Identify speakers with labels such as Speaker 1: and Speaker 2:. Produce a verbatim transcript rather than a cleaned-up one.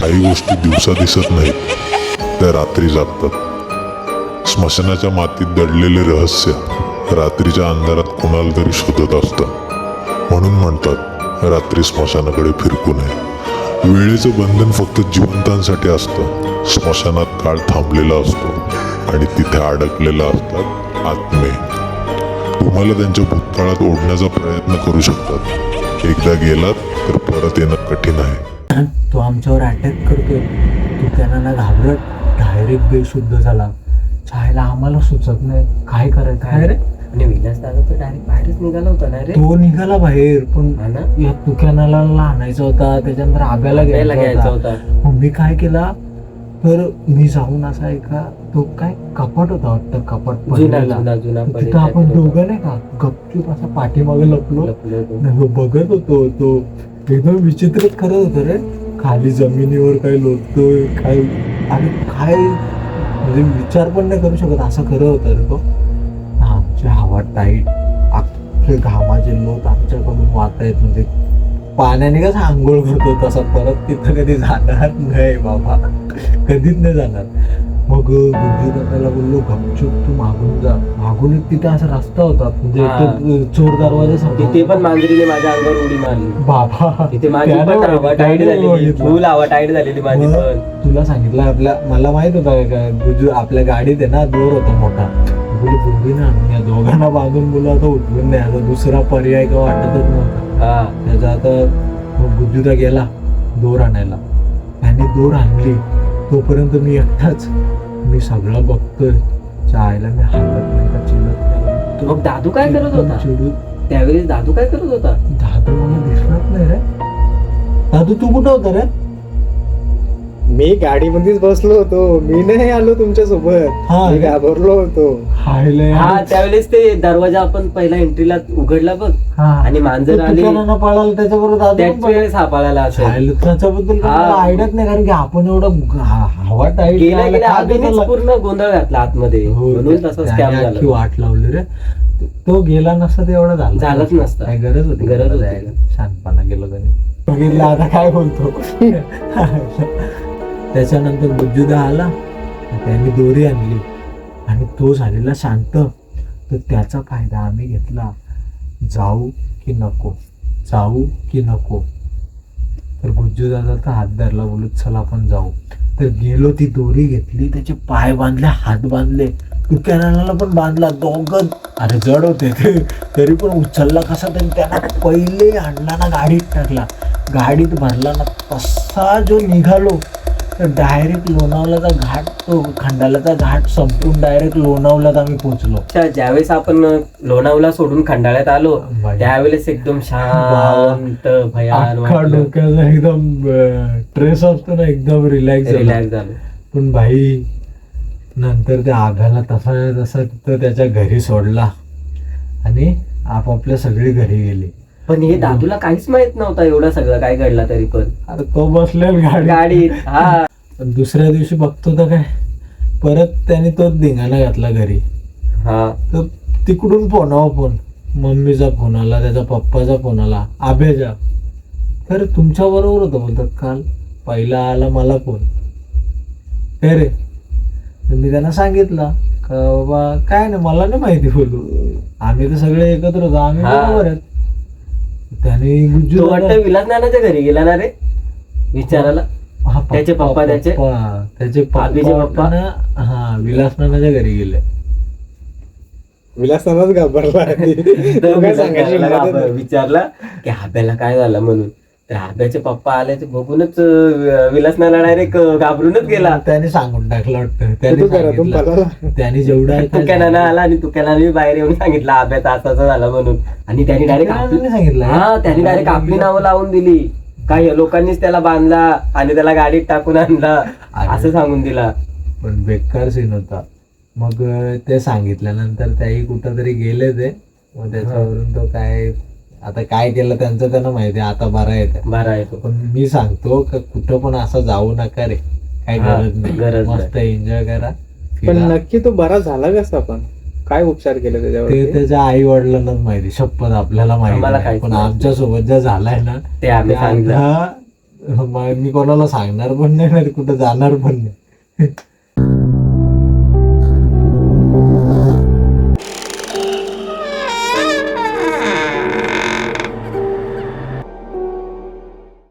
Speaker 1: काही गोष्टी दिवसा दिसत नाहीत, त्या रात्री जागतात. स्मशानाच्या मातीत दडलेले रहस्य रात्रीच्या अंधारात कोणाला तरी शोधत असतं. म्हणून म्हणतात रात्री स्मशानाकडे फिरकू नये. वेळेचं बंधन फक्त जिवंतांसाठी असतं. स्मशानात काळ थांबलेला असतो आणि तिथे अडकलेला असतात आत्मे. तुम्हाला त्यांच्या भूतकाळात ओढण्याचा प्रयत्न करू शकतात. एकदा गेलात तर परत येणं कठीण आहे.
Speaker 2: तो आमच्यावर अटॅक करतोय. तू त्यांना ना घाबरत डायरेक्ट बेशुद्ध झाला. छायला आम्हाला सुचत नाही काय करायचं. काय रे?
Speaker 3: आणि विलास दादा तर डायरेक्ट बाहेरच निघाला होता ना रे.
Speaker 2: तो निघाला बाहेर, पण
Speaker 3: हा ना?
Speaker 2: या तुक्यानाला आणायचा होता, त्याच्यानंतर आब्याला
Speaker 3: आपल्याला
Speaker 2: घ्यायचा
Speaker 3: घ्यायचा
Speaker 2: होता.
Speaker 3: होता.
Speaker 2: मग मी काय केला, तर मी जाऊन असा एका तो काय कपाट होता वाटतं, कपाट
Speaker 3: जुना
Speaker 2: पडलेला.
Speaker 3: जुना जुना
Speaker 2: तर
Speaker 3: पडेल
Speaker 2: तिथं आपण
Speaker 3: त्यात
Speaker 2: दोघं नाही का गपचूप असा पाठीमागे लपलो
Speaker 3: लपलो होतो.
Speaker 2: आणि बघत होतो. तो एकदम विचित्रच करत होतो रे. खाली जमिनीवर काय लोटतोय काय, आणि काय म्हणजे विचार पण नाही करू शकत असं करत होतं रे तो. आमची हवा टाईट, अख्खे घामाचे लोट आमच्याकडून वाहत आहेत. म्हणजे पाण्याने कसं आंघोळ करतो तसा परत तिथं कधी जाणार नाही बाबा, कधीच नाही जाणार. मग गुड्डू दादाला बोललो गपचूप तू मागून जा. मागून एक तिथे असा रस्ता होता, म्हणजे
Speaker 3: हा.
Speaker 2: एकदम चोर दरवाजा
Speaker 3: तिथे पण मांजरीने माझ्या अंगावर उडी मारली.
Speaker 2: बाबा
Speaker 3: तिथे माझी
Speaker 2: त्यानं
Speaker 3: पण हवा टाईट
Speaker 2: त्यानं
Speaker 3: झालेली,
Speaker 2: बघितलं.
Speaker 3: फुल हवा टाईट झालेली माझी
Speaker 2: मग
Speaker 3: पण.
Speaker 2: तुला सांगितलं आपल्या, मला माहित होतं काय गुजू आपल्या गाडीत आहे ना दोर होता मोठा. बोलू बुंदी ना या दोघांना बांधून बोलू आता उठून नाही, आता दुसरा पर्याय का वाटतच नव्हता.
Speaker 3: हा
Speaker 2: त्याचा आता मग गुजूदा गेला दोर आणायला. त्याने दोर आणली तोपर्यंत मी एकटाच, मी सगळं बघतोय. चायला मी हालत नाही का चिलत नाही.
Speaker 3: मग दादू काय करत होता
Speaker 2: चिडून
Speaker 3: त्यावेळेस? दादू काय करत होता?
Speaker 2: दादू मला दिसणार नाही रे. दादू तू कुठं होता रे?
Speaker 4: मी गाडीमध्येच बसलो होतो, मी नाही आलो तुमच्या सोबत.
Speaker 2: हा.
Speaker 4: मी घाबरलो होतो.
Speaker 2: हायले
Speaker 3: हा त्यावेळेस ते दरवाजा आपण पहिला एंट्रीला उघडला बघ, आणि मांजर आली.
Speaker 2: पळाला त्याच्याबरोबर दादू
Speaker 3: त्याच
Speaker 2: पण पळाला.
Speaker 3: वेळेस सापळायला असेल.
Speaker 2: हायले, त्याच्याबद्दल
Speaker 3: हा.
Speaker 2: आयडियाच नाही, कारण की आपण एवढं ह- हवा टाईट
Speaker 3: गेल्या गेल्या आधीच पूर्ण गोंधळ घातला आतमध्ये, म्हणून तसा स्कॅम झाला.
Speaker 2: वाट लावली रे. तो गेला नसता ते एवढं झालं
Speaker 3: झालंच नसतं.
Speaker 2: काय गरज होती
Speaker 3: गरज
Speaker 2: त्याला
Speaker 3: होती.
Speaker 2: जायला? शानपणा गेलो त्यांनी. बघितलं आता काय बोलतो. त्याच्यानंतर गुज्जूदा आला, त्यांनी दोरी आणली आणि तो झालेला शांत. तर त्याचा फायदा आम्ही घेतला. जाऊ की नको, जाऊ की नको. तर गुज्जूदादाचा हात धरला, बोलत चला आपण जाऊ. तर गेलो, ती दोरी घेतली, त्याचे पाय बांधले, हात बांधले, तुक्यानाला पण बांधला. दोघं अरे जड होते ते, तरी पण उचलला कसा तरी. त्यांना पहिले आणला ना गाडीत टाकला, गाडीत भरला ना. तसा जो निघालो तर डायरेक्ट लोणावल्याचा घाट, तो खंडाळ्याचा घाट संपून डायरेक्ट लोणावल्यात आम्ही पोहोचलो.
Speaker 3: अच्छा, ज्यावेळेस आपण लोणावळा सोडून खंडाळ्यात आलो
Speaker 2: बाई.
Speaker 3: त्यावेळेस एकदम शांत भयान
Speaker 2: अख्खा
Speaker 3: वाटलं.
Speaker 2: डोक्याचा एकदम ट्रेस असतो ना, एकदम रिलॅक्स
Speaker 3: रिलॅक्स झालो.
Speaker 2: पण भाई नंतर त्या आभ्याला तसा तसा तिथं त्याच्या घरी सोडला आणि आपापल्या सगळी घरी गेली.
Speaker 3: पण हे दादूला काहीच माहित नव्हता एवढं सगळं काय घडला तरी पण.
Speaker 2: अरे तो बसलेला गाडी
Speaker 3: गाडीत. हा
Speaker 2: पण दुसऱ्या दिवशी बघतो तर काय, परत त्याने तोच धिंगाणा घातला घरी.
Speaker 3: हा
Speaker 2: तर तिकडून फोनावर फोन, मम्मीचा फोन आला, त्याचा पप्पाचा फोन आला, आभ्याचा. तर तुमच्या बरोबर होतं बोलतात काल. पहिला आला मला फोन, काय रे? तर मी त्यांना सांगितलं का बाबा काय नाही, मला नाही माहिती बोलू, आम्ही तर सगळे एकत्र होतो, आम्ही
Speaker 3: हा.
Speaker 2: बरोबर आहेत. त्याने
Speaker 3: तो
Speaker 2: गुज्जू
Speaker 3: वाटतं विलास नानाच्या घरी गेला ना रे विचारायला.
Speaker 2: हा,
Speaker 3: त्याचे पप्पा, त्याचे-
Speaker 2: पप्पा, त्याचे
Speaker 3: आबीचे
Speaker 2: पप्पा
Speaker 3: पप्पा.
Speaker 2: ना, हा विलास नानाच्या घरी गेले.
Speaker 4: विलासनाच घाबरला.
Speaker 3: तर
Speaker 4: तो काय
Speaker 3: विलास
Speaker 4: सांगायची
Speaker 3: नानाला
Speaker 4: हिंमतच
Speaker 3: आबा-
Speaker 4: नाही.
Speaker 3: विचारला की आब्याला काय झालं म्हणून. तर आब्याचे पप्पा आले ते बघूनच अं, विलास नाना डायरेक्ट घाबरूनच गेला.
Speaker 2: त्याने सांगून टाकलं वाटतं,
Speaker 4: तू
Speaker 2: त्याने
Speaker 4: करा तुम
Speaker 2: सांगितलं.
Speaker 4: पळाला.
Speaker 2: त्याने जेवढा
Speaker 3: तुक्या नाना आला आणि तुक्या नानाने बाहेर येऊन सांगितलं आब्याचा असाचा झाला म्हणून. आणि त्यांनी डायरेक्ट
Speaker 2: सांगितलं
Speaker 3: हा त्यांनी डायरेक्ट आपली नावं लावून दिली. काही लोकांनीच त्याला बांधला आणि त्याला गाडीत टाकून आणला असं सांगून दिला.
Speaker 2: पण बेकार सीन होता. मग अं, ते सांगितल्यानंतर त्याही कुठं तरी गेले ते. मग त्याच्यावरून तो काय आता काय केलं त्यांचं त्यांना माहिती, आता बरा येते.
Speaker 3: बरा आहे तो.
Speaker 2: पण मी सांगतो का कुठं पण असं जाऊ नका रे, काही
Speaker 3: हा,
Speaker 2: गरज नाही.
Speaker 3: गरज नाही.
Speaker 2: मस्त एन्जॉय करा,
Speaker 4: पण
Speaker 2: फिरा.
Speaker 4: नक्की तो बरा झाला कसा? पण काय उपचार केले
Speaker 2: ते
Speaker 4: त्याच्यावर?
Speaker 2: त्याच्या आई वडिलांनाच माहिती, शपथ आपल्याला माहिती
Speaker 3: आम्हाला
Speaker 2: नाही.
Speaker 3: काहीच
Speaker 2: पण
Speaker 3: माहिती
Speaker 2: आमच्या सोबत ज्या झालाय ना,
Speaker 3: ते आम्ही
Speaker 2: त्या
Speaker 3: सांगितलं.
Speaker 2: अर्धा मग मी कोणाला सांगणार पण नाही आणि कुठं जाणार पण नाही.